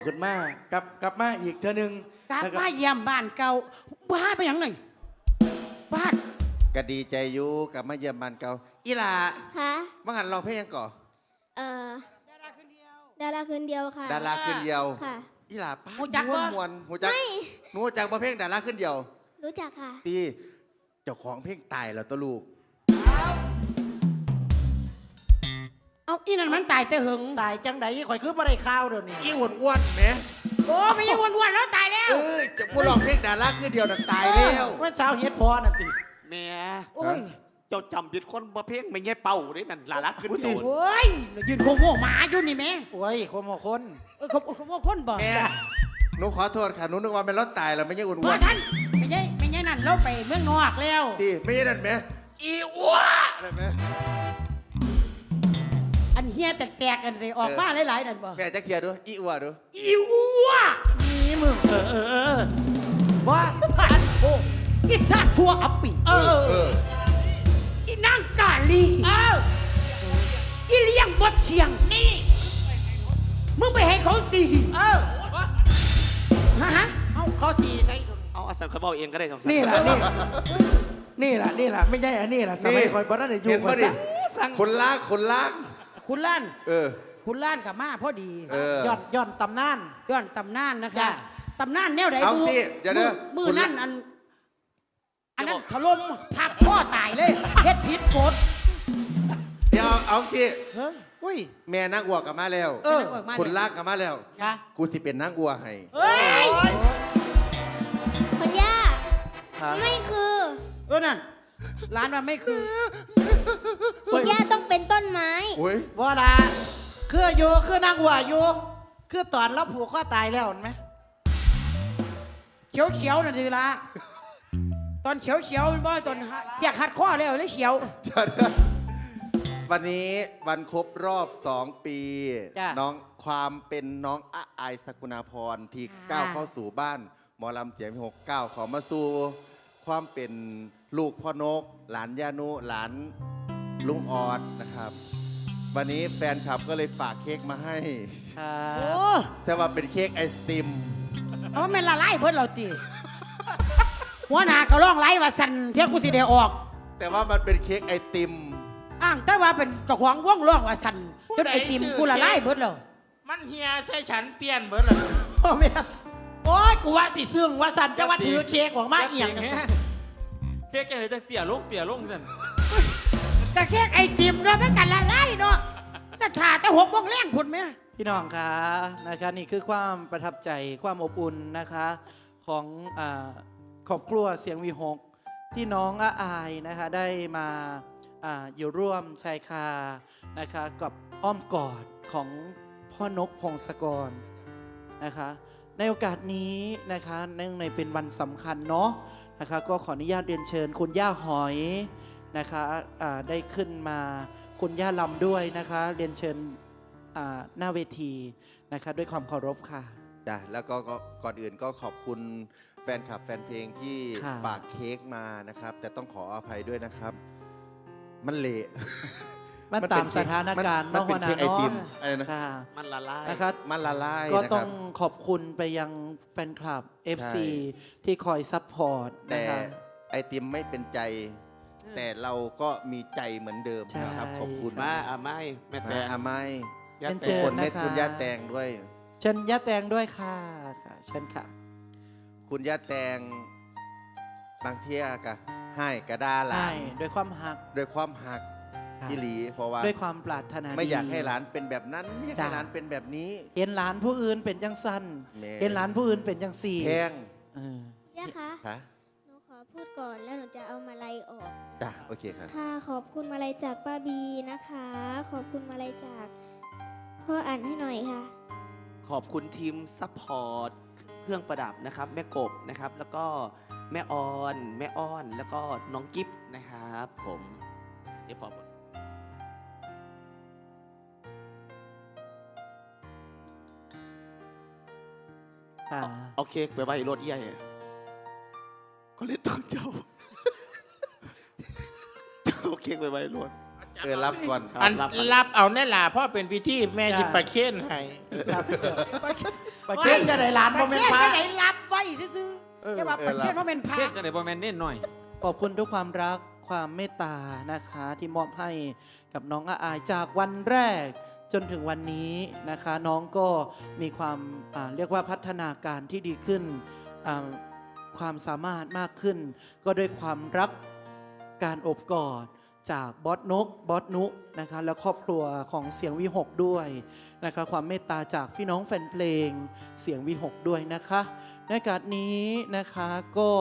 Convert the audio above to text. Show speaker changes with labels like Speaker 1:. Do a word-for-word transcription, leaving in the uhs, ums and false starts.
Speaker 1: ขึ้นมากลับกลับมาอีกเธอหนึ่ง
Speaker 2: กลับมาเยี่ยมบ้านเก่าบ้านไปอย่างหนึ่งบ้าน
Speaker 3: ก็ดีใจอยู่กลับมาเยี่ยมบ้านเก่าอีหล่า
Speaker 4: คะ
Speaker 3: ว่างันเราเพลงยังก่อ
Speaker 4: เอ่อ
Speaker 2: ดาราคนเดียว
Speaker 4: ดาราคืนเดียวค่ะ
Speaker 3: ดาราขึ้นเดียว
Speaker 4: ค่ะ
Speaker 3: อีหล่าป้า
Speaker 2: หูจัก
Speaker 3: ม้วน
Speaker 2: ปะ
Speaker 3: มวนหูจัก
Speaker 4: ไม่
Speaker 3: หนูหูจักมาเพลงดาราขึ้นเดียว
Speaker 4: รู้จักค่ะ
Speaker 3: ตีเจ้าของเพลงตายแล้วตัวลูก
Speaker 2: เอาอีนั่นมันตายแต่หึง
Speaker 1: ตายจังไดข่อยคือบ่ได้ข้าวเดี๋ยวนี้
Speaker 3: อีอ้วนอ้วนๆแหม
Speaker 2: โอ้ไม่ยังวนๆแล้วตายแล้ว
Speaker 3: เออจะพูดลองเพลงดาราขึ้นเดียวนั่นตายแล้ว
Speaker 1: ว่าสาวเฮ็ดพอน่ะติ
Speaker 5: แม่
Speaker 2: โอ้ย
Speaker 5: เจ้าจำผิดคนบ่เพ่งไม่ใช่เป่าได้นั่นลาลักขึ้นโดน
Speaker 2: โอ้ยยืนโง่ๆหมาอยู่นี่แม่
Speaker 1: โอ้ยคนบ่คน
Speaker 2: เออเขาเขาว่าคนบ่
Speaker 3: แม่หนูขอโทษค่ะหนูนึกว่าเป็นรถตายแล้วไม่ใช่อ้วนอ้ว
Speaker 2: ว่าน ท่านไม่ใช่ไม่ใช่นั่นเราไปเมืองนอกแล้ว
Speaker 3: ตีไม่ใช่นั่นแหมอีอ้วนนั่นแหม
Speaker 2: อันเฮียแตกๆกันสิออกมาหลายๆนั่นบ่
Speaker 3: แม่จักเทียดูอีอ้วนดู
Speaker 2: อีอัว
Speaker 1: นี่มึงเออเออเออว่า
Speaker 2: ผ่านโอ้อีสัตว์ชัวอัปปี
Speaker 1: เออ
Speaker 3: เออ
Speaker 2: อีนางกาลี
Speaker 1: เอ้า
Speaker 2: อีเลี้ยงบดเชียงนี่มึงไปให้เขาสี่
Speaker 1: เอ้า
Speaker 2: ฮะฮะ
Speaker 1: เอ้าเขาสีใส่
Speaker 5: เอาอาสันเขาบอกเองก็ได้สองสั
Speaker 1: นี่แหละนี่นี่แหละนี่แหละไม่ใช่อันนี้แหละสมัยข่อยบ่ได้อยู่
Speaker 3: เห็น
Speaker 1: ข่อ
Speaker 3: ปะ
Speaker 1: ย
Speaker 3: ดิ
Speaker 1: สั่งสั่ง
Speaker 3: คนล้างคนล้าง
Speaker 2: คุณล้าน
Speaker 3: เออ
Speaker 2: คุณล้านกับมาพอดี
Speaker 3: เออ
Speaker 1: ย่อนย่อนตำนาน
Speaker 2: ย้อนตำนานนะคะ
Speaker 1: จ้ะ
Speaker 2: ตำนานแนวไหน
Speaker 3: เอา
Speaker 2: ดู
Speaker 3: สิเดี๋ยวเด้อ
Speaker 2: มือ
Speaker 3: คุณ
Speaker 2: นั่นอัน อันนั้นถล่มทับพ่อตายเลยเฮ็ดผิดกฎ
Speaker 3: เดี๋ยวเอาสิ
Speaker 1: เฮ้ยอุ้ย
Speaker 3: แม่นางอัวกลับมาแล้ว
Speaker 1: เออ
Speaker 3: คนลากกลับมาแล้ว
Speaker 1: นะ
Speaker 3: กูสิเป็นนางอัวให้
Speaker 2: เฮ้ย
Speaker 4: คุณย่า ไม่คือ
Speaker 2: เออนั่นร้านมันไม่คือ
Speaker 4: คุณย่าต้องเป็นต้นไม้
Speaker 3: โอ้ย
Speaker 1: บ่ล่ะคืออยู่คือนางหัวอยู่คือตอนเราผูกคอตายแล้วเห็นไหม
Speaker 2: เขียวเขียวๆนั่นสิละตอนเขียวเขียวๆมันบ่ตอนเสียกหัดข้อแล้วเลยเขียว
Speaker 3: วันนี้วันครบรอบสองปี
Speaker 1: จ้ะ
Speaker 3: น้องความเป็นน้องอาอายสกุณาพรที่ก้าวเข้าสู่บ้าน หมอลำเสียงพี่หกก้าวขอมาสู่ความเป็นลูกพ่อนก หลานยานุหลานลุงออดนะครับ วันนี้แฟนคลับก็เลยฝากเค้กมาให้
Speaker 1: ครั
Speaker 2: โอ้
Speaker 1: บ
Speaker 3: แต่ว่าเป็นเค้กไอติม
Speaker 2: เอาแม่นละลายเพิ่นเราตีหัวหน้าก็ร้องไล่ว่าสั่นเที่ยกูสิได้ออก
Speaker 3: แต่ว่ามันเป็นเค้กไอติม
Speaker 2: อ้างแต่ว่าเป็นเจ้าของวงร้องว่าสั่นจนไอติมกูละลายเบิดแล้ว
Speaker 6: มันเฮียใช่ฉันเปลี่ยนเบิดเลย
Speaker 1: พ่อแม่โอ้ยกูว่าสิซึ่งว่าสันจะว่าถือเค้กออกมาเอียง
Speaker 5: เค้กแกเลยจะเตี่ยลงเตี่ยลงนั่น
Speaker 2: แต่แค่ไอติมเนาะมันกันละลายเนาะก็ถ่าแต่หกโมงแรงพุ่นแม่
Speaker 1: พี่น้องคะนะคะนี่คือความประทับใจความอบอุ่นนะคะของอาครอบครัวเสียงวีหกที่น้องอาอายนะคะได้มาอาอยู่ร่วมชายคานะคะกับอ้อมกอดของพ่อนกพงศกรนะคะในโอกาสนี้นะคะเนื่องในเป็นวันสำคัญเนาะนะคะก็ขออนุญาตเรียนเชิญคุณย่าหอยนะคะอ่าได้ขึ้นมาคุณย่าลำด้วยนะคะเรียนเชิญอ่าหน้าเวทีนะคะด้วยความเคารพค่ะ
Speaker 3: จ้ะแล้วก็ก็ก่อนอื่นก็ขอบคุณแฟนคลับแฟนเพลงที่
Speaker 1: ค่ะ
Speaker 3: ฝากเค้กมานะครับ แต่ต้องขออภัยด้วยนะครับ มันเละ
Speaker 1: มันตามสถานการณ์
Speaker 3: มัน
Speaker 1: เนาะ
Speaker 3: เป็น
Speaker 1: หัวหน้า
Speaker 3: เค้กไอติม
Speaker 1: เนาะ
Speaker 3: อะไรนะ
Speaker 1: ค่ะ
Speaker 5: มันละลาย
Speaker 1: นะคะ
Speaker 3: มันละลาย
Speaker 1: ก็
Speaker 3: นะ
Speaker 1: ต้
Speaker 3: ค
Speaker 1: อ
Speaker 3: รั
Speaker 1: ง
Speaker 3: บ
Speaker 1: ขอบคุณไปยังแฟนคลับ เอฟ ซี
Speaker 3: ใช่
Speaker 1: ที่คอยซัพพอร์ต
Speaker 3: แต่
Speaker 1: นะคะ
Speaker 3: ไอติมไม่เป็นใจ แต่เราก็มีใจเหมือนเดิม
Speaker 1: ใช่
Speaker 3: นะครับ ขอบคุณ
Speaker 5: มาอ่ะไม่แม่แต
Speaker 3: มาง อาไม้
Speaker 5: ยัด
Speaker 1: เป็น
Speaker 5: แต
Speaker 1: เชิ
Speaker 5: ง
Speaker 1: ญ
Speaker 3: คนเม็ด
Speaker 1: นะคะ
Speaker 3: คุณย่าแตงด้วย
Speaker 1: เชิญย่าแตงด้วยค่ะค่ะเชิญค่ะ
Speaker 3: คุณย่าแตงบางเที่ยกะให้กระดาหลา
Speaker 1: ใช่
Speaker 3: น
Speaker 1: ด้วยความหัก
Speaker 3: ด้วยความหัก
Speaker 1: ค่ะ
Speaker 3: ที่หลี เพราะว่า
Speaker 1: ด้วยความปรารถนาดี
Speaker 3: ไม่อยากให้หลานเป็นแบบนั้นไม่อยากให้
Speaker 1: จ้ะ
Speaker 3: หลานเป็นแบบนี้
Speaker 1: เห็นหลานผู้อื่นเป็นจังสัน
Speaker 3: แม่
Speaker 1: เห็นหลานผู้อื่นเป็นจังสี่
Speaker 3: แพง
Speaker 1: เออ
Speaker 4: ย่าคะ
Speaker 3: ค่ะ
Speaker 4: หนูขอพูดก่อนแล้วหนูจะเอามาลัยออก
Speaker 3: จ้ะโอเคครับ
Speaker 4: ค่ะ ขอบคุณมาลัยจากป้าบีนะคะ ขอบคุณมาลัยจากพ่ออ่านให้หน่อยค่ะ
Speaker 5: ขอบคุณทีมซัพพอร์ตเครื่องประดับนะครับ แม่กบนะครับ แล้วก็แม่ออน แม่อ้อน แล้วก็น้องกิฟนะครับ ผมเดี๋ยวพอหมด
Speaker 1: ค่ะ
Speaker 5: เอาเค้กไปไว้รถเอี้ยก็เลยต้นเจ้า เจ้าเอาเค้กไปไว้รถ
Speaker 6: อาจ
Speaker 3: เออรับก่อน
Speaker 5: ครับ
Speaker 6: อัน
Speaker 5: รับครับ
Speaker 6: รับเอาแน่ล่ะเพราะเป็นพิธีแม่จิประเคนให้
Speaker 1: ครับประเคนจะได้หลาน
Speaker 2: ป
Speaker 1: บ่
Speaker 2: ระ
Speaker 1: แม่
Speaker 2: เคน
Speaker 1: นพระ
Speaker 2: จะไหนรับไว้ซื่อ
Speaker 1: เออ
Speaker 2: ๆแต่ว่าประเคนว่าเป็นพระ
Speaker 7: เทศจะได้บ่แม่นเน้นหน่อย
Speaker 1: ขอบคุณทุกความรักความเมตตานะคะ ที่มอบให้กับน้องอาอายจากวันแรกจนถึงวันนี้นะคะ น้องก็มีความอ่าเรียกว่าพัฒนาการที่ดีขึ้นอ่าความสามารถมากขึ้น ก็ด้วยความรักการอบกอดจากบอสนกบอสนุนะคะและครอบครัวของเสียงวิหกด้วยนะคะความเมตตาจากพี่น้องแฟนเพลงเสียงวิหกด้วยนะคะในโอกาสนี้นะคะก็